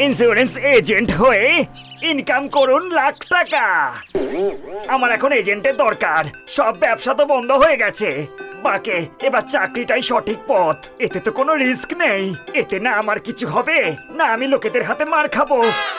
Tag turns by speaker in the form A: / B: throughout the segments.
A: Insurance agent হয়ে income করুন লাখ টাকা। আমার এখন এজেন্টের দরকার, সব ব্যবসা তো বন্ধ হয়ে গেছে। বাকে এবার চাকরিটাই সঠিক পথ, এতে তো কোনো রিস্ক নেই। এতে না আমার কিছু হবে না আমি লোকেদের হাতে মার খাবো।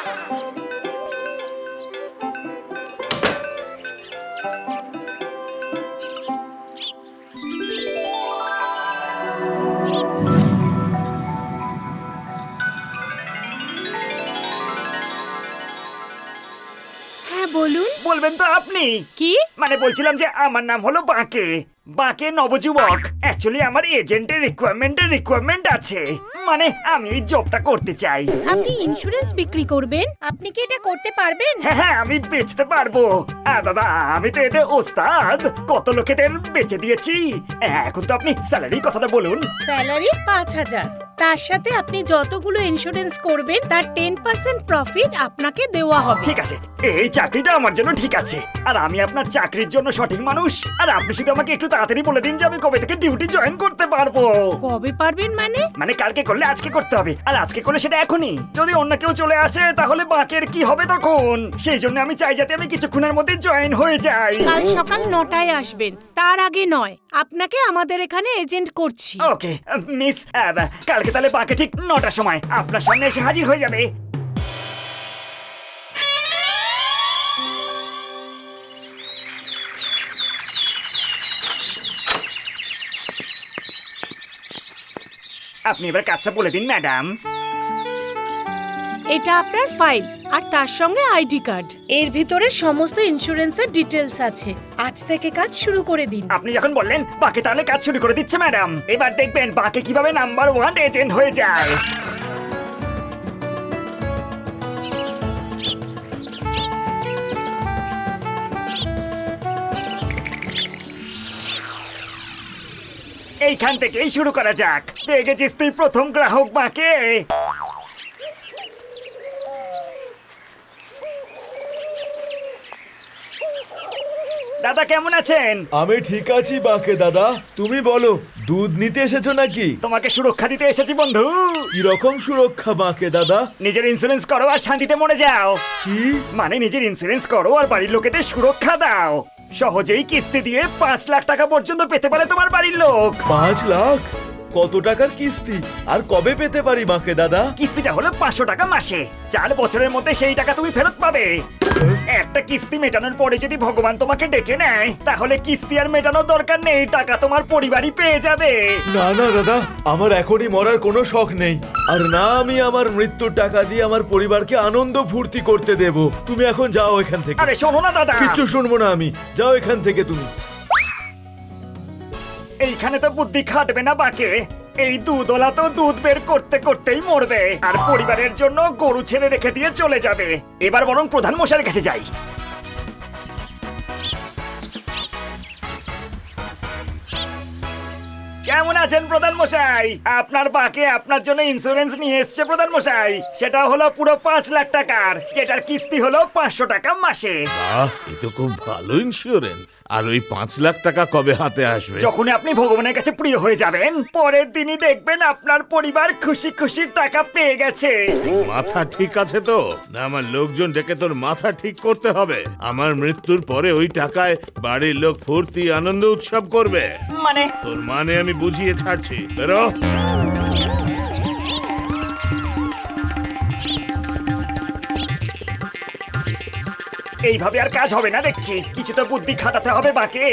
B: বলুন।
A: বলবেন তো আপনি?
B: কি?
A: মানে বলছিলাম যে আমার নাম হলো বাকে, বাকে নবযুবক। অ্যাকচুয়ালি আমার এজেন্টের রিকোয়ারমেন্ট আছে, মানে আমি এই জবটা করতে চাই।
B: আপনি ইন্স্যুরেন্স বিক্রি করবেন? আপনি কি এটা করতে পারবেন?
A: হ্যাঁ হ্যাঁ, আমি বেচতে পারবো। বাবা, আমি তো এতে ওস্তাদ, কত লোকেদের বেচে দিয়েছি। এখন তো আপনি স্যালারি কথাটা বলুন।
B: স্যালারি ৫,০০০। তার সাথে আপনি যতগুলো ইন্স্যুরেন্স করবেন তার 10% প্রফিট আপনাকে দেওয়া হবে।
A: ঠিক আছে, এই চাকরিটা আমার জন্য ঠিক আছে। আর আমি আপনার চাকরির জন্য সঠিক মানুষ। আর আপনি শুধু আমাকে একটু তাড়াতাড়ি বলে দিন যে আমি কবে থেকে ডিউটি জয়েন করতে পারবো।
B: কবে পারবেন মানে?
A: মানে কালকে করলে আজকে করতে হবে, আর আজকে করলে সেটা এখনই। যদি অন্য কেউ চলে আসে তাহলে বাকের কি হবে তখন? সেই জন্য আমি চাই যাতে আমি কিছুক্ষণের মধ্যে জয়েন হয়ে যাই।
B: কাল সকাল ৯টায় আসবেন, তার আগে নয়। আপনাকে আমাদের এখানে এজেন্ট করছি।
A: ওকে মিস, কালকে তাহলে বাকে ঠিক ৯টার সময় আপনার সামনে এসে হাজির হয়ে যাবে। আপনি এবার কাজটা বলে দিন ম্যাডাম।
B: এটা আপনার ফাইল আর তার সঙ্গে আইডি কার্ড। এর ভিতরে সমস্ত ইন্স্যুরেন্সের ডিটেলস আছে। আজ থেকে কাজ শুরু করে দিন।
A: আপনি যখন বললেন বাকে, তাহলে কাজ শুরু করে দিচ্ছে ম্যাডাম। এবার দেখবেন বাকে কিভাবে নাম্বার 1 এজেন্ট হয়ে যায়। এইখান থেকেই শুরু করা যাক। পেয়ে গেছিস তুই প্রথম গ্রাহক বাকে। দাদা কেমন আছেন?
C: আমি ঠিক আছি বাকে দাদা, তুমি বলো দুধ নিতে এসেছো নাকি?
A: তোমাকে সুরক্ষা দিতে এসেছি বন্ধু।
C: কিরকম সুরক্ষা বাকে দাদা?
A: নিজের ইন্স্যুরেন্স করো আর শান্তিতে মরে যাও।
C: কি?
A: মানে নিজের ইন্স্যুরেন্স করো আর বাড়ির লোকেদের সুরক্ষা দাও। সহজেই কিস্তি দিয়ে ৫ লাখ টাকা পর্যন্ত পেতে পারে তোমার বাড়ির লোক।
C: ৫ লাখ? কত টাকার কিস্তি আর কবে পেতে পারি বাকে দাদা?
A: কিস্তিটা হলো ৫০০ টাকা মাসে। ৪ বছরের মধ্যে সেই টাকা তুমি ফেরত পাবে। একটা কিস্তি মেটানোর পরে যদি ভগবান তোমাকে ডেকে নেয় তাহলে কিস্তি আর মেটানোর দরকার নেই, টাকা তোমার পরিবারই পেয়ে যাবে।
C: না না দাদা, আমার এখনই মরার কোনো শখ নেই। আর না আমি আমার মৃত্যুর টাকা দিয়ে আমার পরিবারকে আনন্দ ফুর্তি করতে দেব। তুমি এখন যাও এখান থেকে।
A: আরে শোনো না দাদা।
C: কিচ্ছু শুনবো না আমি, যাও এখান থেকে তুমি।
A: এইখানে তো বুদ্ধি খাটবে না বাকে। এই দুধওয়ালা তো দুধ বের করতে করতেই মরবে, আর পরিবারের জন্য গরু ছেড়ে রেখে দিয়ে চলে যাবে। এবার বরং প্রধান মশাইয়ের কাছে যাই। কেমন আছেন প্রধান মশাই? আপনার বাকে আপনার জন্য ইন্স্যুরেন্স নিয়ে এসছে প্রধান মশাই। সেটা হলো পুরো ৫ লাখ টাকার, যেটার কিস্তি হলো ৫০০ টাকা মাসে।
D: বাহ, এ তো খুব ভালো ইন্স্যুরেন্স। আর ওই ৫ লাখ টাকা কবে হাতে আসবে?
A: যখন আপনি ভগবানের কাছে প্রিয় হয়ে যাবেন, পরের দিনই দেখবেন আপনার পরিবার খুশি খুশি টাকা পেয়ে গেছে।
D: মাথা ঠিক আছে তো? না আমার লোকজন ডেকে তোর মাথা ঠিক করতে হবে? আমার মৃত্যুর পরে ওই টাকায় বাড়ির লোক ফুর্তি আনন্দ উৎসব করবে।
A: মানে
D: তোর মানে আমি বুঝিয়ে ছাড়ছি, বেরো।
A: এইভাবে আর কাজ হবে না দেখছি, কিছু তো বুদ্ধি খাটাতে হবে বাকে।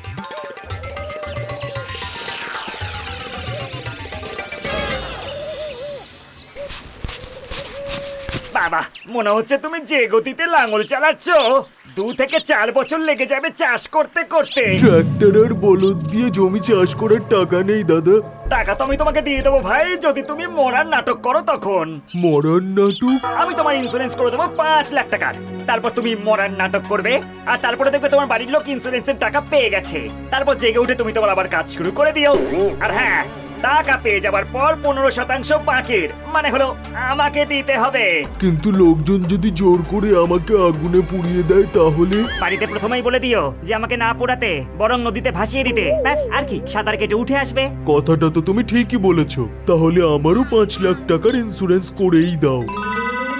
A: বাবা, মনে হচ্ছে তুমি যে গতিতে লাঙল চালাচ্ছ 2 থেকে 4 বছর লেগে যাবে চাষ করতে করতে।
C: ট্রাক্টর আর বলদ দিয়ে জমি চাষ করার টাকা নেই দাদা।
A: টাকা তো আমি তোমাকে দিয়ে দেবো ভাই, যদি তুমি মরার নাটক করো তখন।
C: মরার নাটক?
A: আমি তোমার ইন্স্যুরেন্স করে দেবো ৫ লাখ টাকার। তারপর তুমি মরার নাটক করবে, আর তারপরে দেখবে তোমার বাড়ির লোক ইন্স্যুরেন্সের টাকা পেয়ে গেছে। তারপর জেগে উঠে তুমি তোমার আবার কাজ শুরু করে দিও। আর হ্যাঁ, টাকা পেয়ে যাবার পর 15% বাকির, মানে হলো আমাকে দিতে হবে।
C: কিন্তু লোকজন যদি জোর করে আমাকে আগুনে পুড়িয়ে দেয় তাহলে?
A: বাড়িতে প্রথমেই বলে দিও যে আমাকে না পোড়াতে, বরং নদীতে ভাসিয়ে দিতে। ব্যাস, আর কি, সাঁতার কেটে উঠে আসবে।
C: কথাটা তো তুমি ঠিকই বলেছো। তাহলে আমারও ৫ লাখ টাকার ইন্স্যুরেন্স করেই দাও।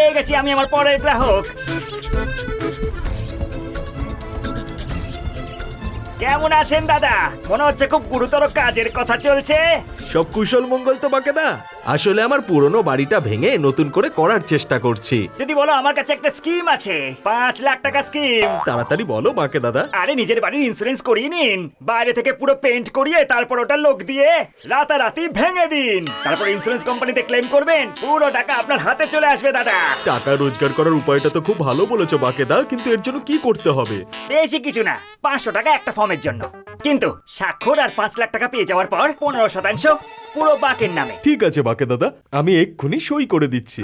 A: পেয়ে গেছি আমি আমার পরের গ্রাহক। কেমন আছেন দাদা? মনে হচ্ছে খুব গুরুতর কাজের কথা চলছে।
E: সব কুশল মঙ্গল তো বাকেদা। আসলে আমার পুরনো বাড়িটা ভেঙে নতুন করে করার চেষ্টা করছি।
A: যদি বলো আমার কাছে একটা স্কিম আছে, 5 লাখ টাকা স্কিম।
E: তাড়াতাড়ি বলো বাকে দাদা।
A: আরে নিজের বাড়ির ইন্স্যুরেন্স করিয়ে নিন, বাইরে থেকে পুরো পেইন্ট করিয়ে তারপর ওটা লোক দিয়ে রাতারাতি ভেঙে দিন, তারপর ইন্স্যুরেন্স কোম্পানিতে ক্লেম করবেন, পুরো টাকা আপনার হাতে চলে আসবে দাদা।
E: টাকা রোজগার করার উপায়টা তো খুব ভালো বলেছো বাকেদা, কিন্তু এর জন্য কি করতে হবে?
A: বেশি কিছু না, 500 টাকা একটা ফর্মের জন্য, কিন্তু স্বাক্ষর আর 5 লাখ টাকা পেয়ে যাওয়ার পর 15% পুরো বাকের নামে।
E: ঠিক আছে বাকে দাদা, আমি এক্ষুনি সই করে দিচ্ছি।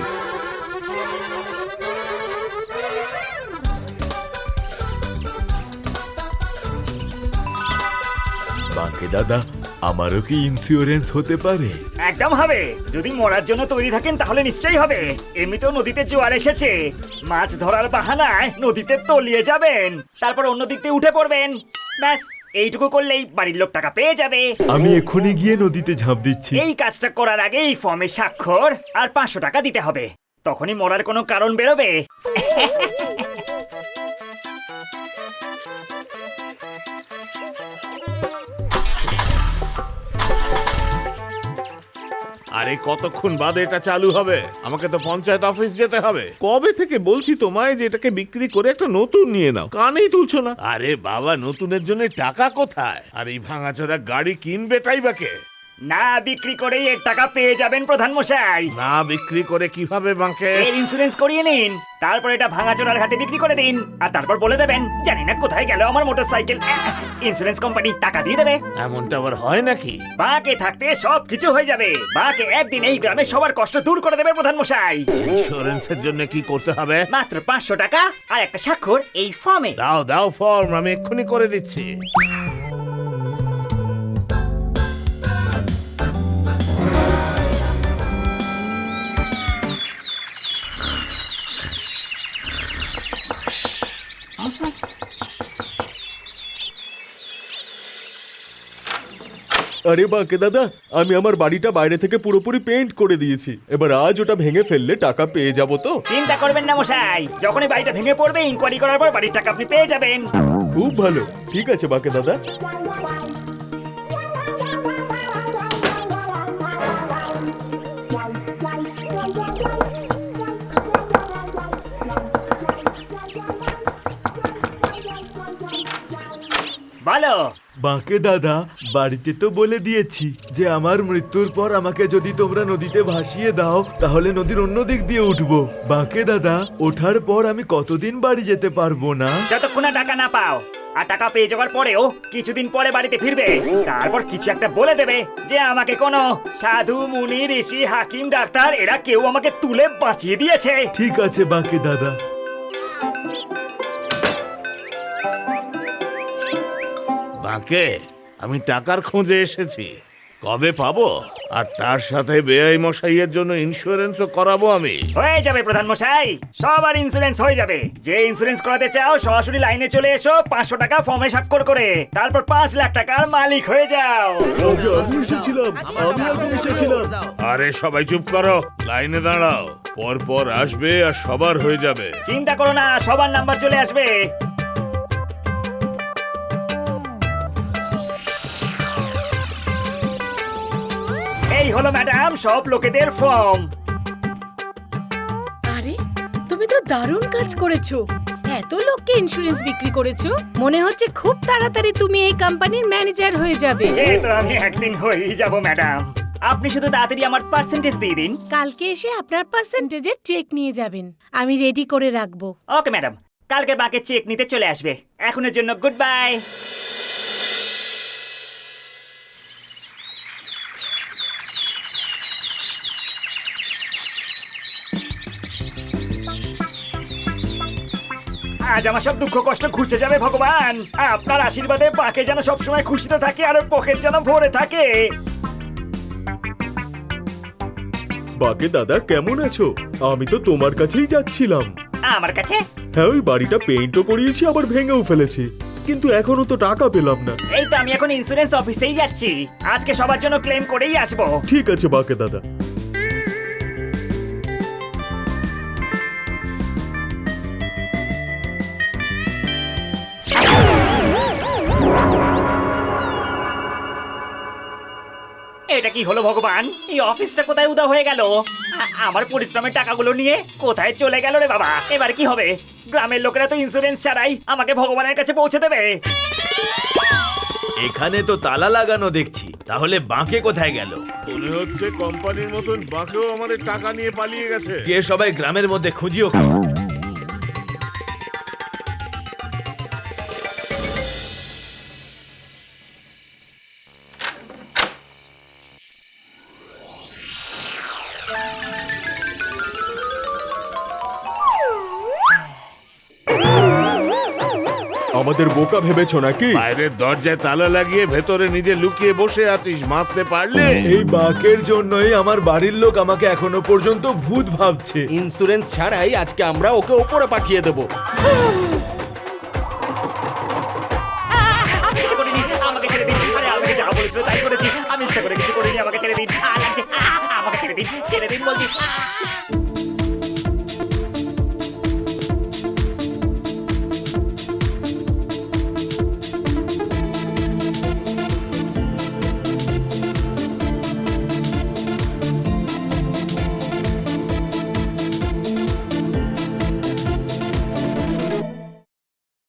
C: বাকে দাদা, আমারও কি ইন্স্যুরেন্স হতে পারে?
A: একদম হবে, যদি মরার জন্য তৈরি থাকেন তাহলে নিশ্চয়ই হবে। এমনিতেও নদীতে জোয়ার এসেছে, মাছ ধরার বাহানায় নদীতে তলিয়ে যাবেন, তারপর অন্য দিক দিয়ে উঠে পড়বেন, ব্যাস এইটুকু করলেই বাড়ির লোক টাকা পেয়ে যাবে।
C: আমি এক্ষুনি গিয়ে নদীতে ঝাঁপ দিচ্ছি।
A: এই কাজটা করার আগে এই ফর্মে স্বাক্ষর আর 500 টাকা দিতে হবে, তখনই মরার কোনো কারণ বেরোবে।
D: আরে কতক্ষণ বাদে এটা চালু হবে? আমাকে তো পঞ্চায়েত অফিস যেতে হবে। কবে থেকে বলছি তোমায় যে এটাকে বিক্রি করে একটা নতুন নিয়ে নাও, কানেই তুলছো না। আরে বাবা, নতুনের জন্য টাকা কোথায়? আর এই ভাঙাচোরা গাড়ি কিনবেটাই বা কে?
A: না বিক্রি করেই এর টাকা পেয়ে যাবেন প্রধান মশাই।
D: না বিক্রি করে কিভাবে বাঁকে?
A: এর ইন্স্যুরেন্স করিয়ে নিন, তারপর এটা ভাঙাচোরার হাতে বিক্রি করে দিন, আর তারপর বলে দেবেন জানি না কোথায় গেল আমার মোটরসাইকেল। ইন্স্যুরেন্স কোম্পানি টাকা দিয়ে দেবে।
D: এমনটা আবার হয় নাকি?
A: বাকে থাকতে সব কিছু হয়ে যাবে। বাকে একদিন এই গ্রামে সবার কষ্ট দূর করে দেবে প্রধান মশাই।
D: ইন্স্যুরেন্সের জন্য কি করতে হবে?
A: মাত্র 500 টাকা আর একটা স্বাক্ষর এই ফর্মে।
D: দাও দাও ফর্ম, আমি এক্ষুনি করে দিচ্ছি।
E: আরে বাকে দাদা, আমি আমার বাড়িটা বাইরে থেকে পুরোপুরি পেইন্ট করে দিয়েছি। এবার আজ ওটা ভেঙে ফেললে টাকা পেয়ে যাবো তো?
A: চিন্তা করবেন না মশাই, যখনই বাড়িটা ভেঙে পড়বে ইনকোয়ারি করার পর বাড়ির টাকা আপনি পেয়ে যাবেন।
E: খুব ভালো, ঠিক আছে বাকে দাদা।
A: ভালো।
C: বাকে দাদা, বাড়িতে তো বলে দিয়েছি যে আমার মৃত্যুর পর আমাকে যদি তোমরা নদীতে ভাসিয়ে দাও তাহলে নদীর অন্য দিক দিয়ে উঠবো। বাকে দাদা, ওঠার পর আমি কতদিন বাড়ি যেতে পারবো না?
A: যতক্ষণ না টাকা না পাও, আর টাকা পেয়ে যাওয়ার পরেও কিছুদিন পরে বাড়িতে ফিরবে, তারপর কিছু একটা বলে দেবে যে আমাকে কোনো সাধু মুনি ঋষি হাকিম ডাক্তার এরা কেউ আমাকে তুলে বাঁচিয়ে দিয়েছে।
C: ঠিক আছে বাকে দাদা।
D: বাঁকে, আমি টাকার খোঁজে এসেছি, কবে পাবো? আর তার সাথে বেআই মশাইয়ের জন্য ইন্স্যুরেন্সও করাবো আমি।
A: হয়ে যাবে প্রধান মশাই, সবার ইন্স্যুরেন্স হয়ে যাবে। যে ইন্স্যুরেন্স করাতে চাও সরাসরি লাইনে চলে এসো, 500 টাকা ফর্মে স্বাক্ষর করে, তারপর 5 লাখ টাকার মালিক হয়ে যাও।
E: আমি এসেছিলাম।
D: আরে সবাই চুপ করো, লাইনে দাঁড়াও, পর পর আসবে আর সবার হয়ে যাবে।
A: চিন্তা করো না, সবার নাম্বার চলে আসবে। এই হলো ম্যাডাম সব লোকেদের ফর্ম।
B: আরে তুমি তো দারুণ কাজ করেছো, এত লোককে ইন্স্যুরেন্স বিক্রি করেছো। মনে হচ্ছে খুব তাড়াতাড়ি তুমি এই কোম্পানির ম্যানেজার হয়ে যাবে।
A: সে তো আমি একদিন হয়েই যাব ম্যাডাম, আপনি শুধু তাড়াতাড়ি আমার পার্সেন্টেজ দিয়ে দিন।
B: কালকে এসে আপনার পার্সেন্টেজের চেক নিয়ে যাবেন, আমি রেডি করে রাখবো।
A: ওকে ম্যাডাম, কালকে বাকি চেক নিতে চলে আসবে। এখনের জন্য গুড বাই। আজ আমার সব দুঃখ কষ্ট ঘুচে যাবে ভগবান। আপনার আশীর্বাদে বাকে যেন সবসময় খুশিতে থাকে আর ওর পকেট যেন ভরে থাকে।
E: বাকে দাদা, কেমন আছো? আমি তো তোমার কাছেই যাচ্ছিলাম।
A: আমার কাছে?
E: হ্যাঁ, ওই বাড়িটা পেইন্টও করিয়েছি, আবার ভেঙেও ফেলেছি, কিন্তু এখনো তো টাকা পেলাম না।
A: এই তো আমি এখন ইন্স্যুরেন্স অফিসেই যাচ্ছি, আজকে সবার জন্য ক্লেম করেই আসবো।
E: ঠিক আছে বাকে দাদা।
A: এটা কি হলো ভগবান? এই অফিসটা কোথায় উদা হয়ে গেল? আমার পরিশ্রমের টাকাগুলো নিয়ে কোথায় চলে গেল রে বাবা? এবার কি হবে? গ্রামের লোকেরা তো ইন্স্যুরেন্স ছাড়াই আমাকে ভগবানের কাছে পৌঁছে দেবে।
C: এখানে তো তালা লাগানো দেখছি, তাহলে বাঁকে কোথায় গেল?
D: মনে হচ্ছে কোম্পানির মতন বাকেও আমাদের টাকা নিয়ে পালিয়ে গেছে।
C: কে সবাই গ্রামের মধ্যে খুঁজিও কেন?
E: আমাদের বোকা ভেবেছো নাকি?
D: বাইরের দরজায় তালা লাগিয়ে ভেতরে নিজে লুকিয়ে বসে আছিস, বাঁচতে পারলে?
C: এই বাঁকের জন্যই আমার বাড়ির লোক আমাকে এখনো পর্যন্ত ভূত ভাবছে।
E: ইন্স্যুরেন্স ছাড়াই আজকে আমরা ওকে ওপরে পাঠিয়ে দেবো।
A: আমি কিছু করিনি, আমাকে ছেড়ে দিন। আরে আমাকে যা বলেছিল তাই করেছি, আমি ইচ্ছা করে কিছু